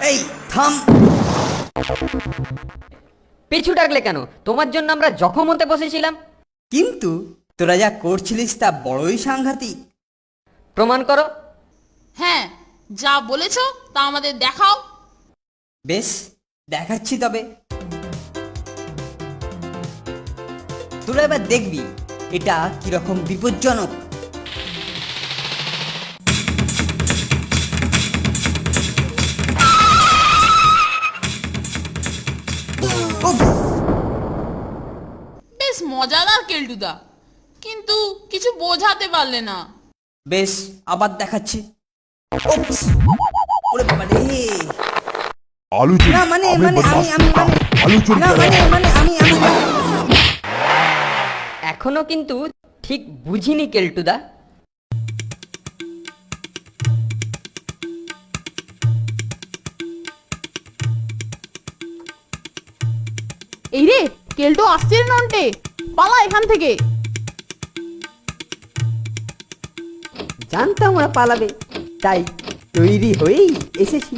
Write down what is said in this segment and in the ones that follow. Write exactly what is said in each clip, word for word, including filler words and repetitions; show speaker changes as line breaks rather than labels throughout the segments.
এই থাম।
পিছু ডাকলে কেন? তোমার জন্য আমরা জখম হতে বসেছিলাম।
কিন্তু তোরা যা করছিলিস তা বড়ই সাংঘাতিক।
প্রমাণ করো।
হ্যাঁ, যা বলেছো তা আমাদের দেখাও।
বেশ, দেখাচ্ছি তবে। তোরা এবার দেখবি এটা কিরকম বিপজ্জনক। উফ!
বেশ মজাদার কেলটুদা, কিন্তু কিছু বোঝাতে পারলে না।
বেশ, আবার দেখাচ্ছি। উপস! ওরে বাবা রে!
আলু চুরি
না মানে
আমি
মানে আমি
বদমাশ
আমি মানে
আলু চুরি
না
করে
মানে মানে আমি আমি
এখনো কিন্তু ঠিক বুঝিনি কেলটুদা।
এই রে, কেলটু আসছে রে নন্টে, পালা এখান থেকে।
জানতাম ওরা পালাবে, তাই তৈরি হয়েই এসেছি।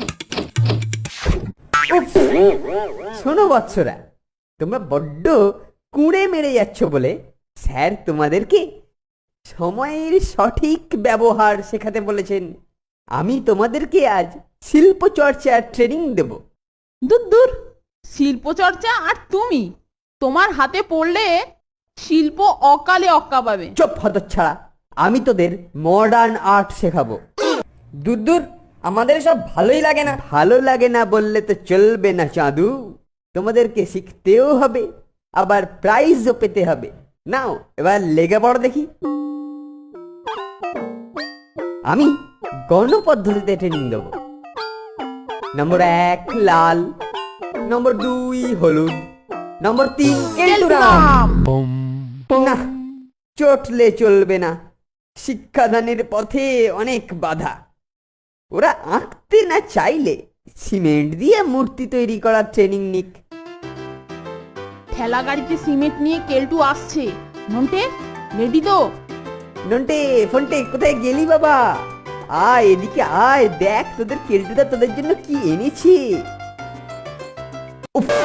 উফ! শোনো বৎসরা, তোমরা বড্ড কুঁড়ে মেরে যাচ্ছ বলে স্যার তোমাদেরকে সময়ের সঠিক ব্যবহার শেখাতে বলেছেন। আমি তোমাদেরকে আজ শিল্প চর্চার ট্রেনিং দেব।
দূর দূর, শিল্প চর্চা আর তুমি, তোমার হাতে পড়লে শিল্প অকালে অক্কা পাবে।
চুপ হতচ্ছাড়া, আমি তোদের মডার্ন আর্ট শেখাবো।
দূর দূর, আমাদের সব ভালোই লাগে না।
ভালো লাগে না বললে তো চলবে না চাঁদু, তোমাদেরকে শিখতেও হবে, আবার প্রাইজও পেতে হবে। নাও এবার লেগে পড়ো দেখি। আমি গণপদ্ধতিতে ট্রেনিং দেবো। নম্বর এক লাল, নম্বর দুই হলুদ, নম্বর তিন কেলটুরাম। না, চটলে চলবে না, শিক্ষাদানের পথে অনেক বাধা। ওরা আঁকতে না চাইলে সিমেন্ট দিয়ে মূর্তি তৈরি করার ট্রেনিং নিক।
ঠেলা গাড়িতে সিমেন্ট নিয়ে কেলটু আসছে। নন্টে, রেডি তো?
নন্টে ফন্টে কোথায় গেলি বাবা? আয় এদিকে আয়, দেখ তোদের কেলটুদা তোদের জন্য কি এনেছি। উফ!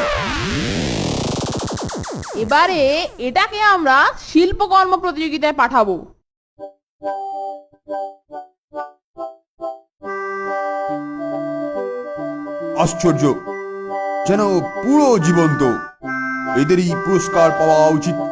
এবারে এটাকে আমরা শিল্পকর্ম প্রতিযোগিতায় পাঠাবো।
আশ্চর্য, যেন পুরো জীবন্ত। এদেরই পুরস্কার পাওয়া উচিত।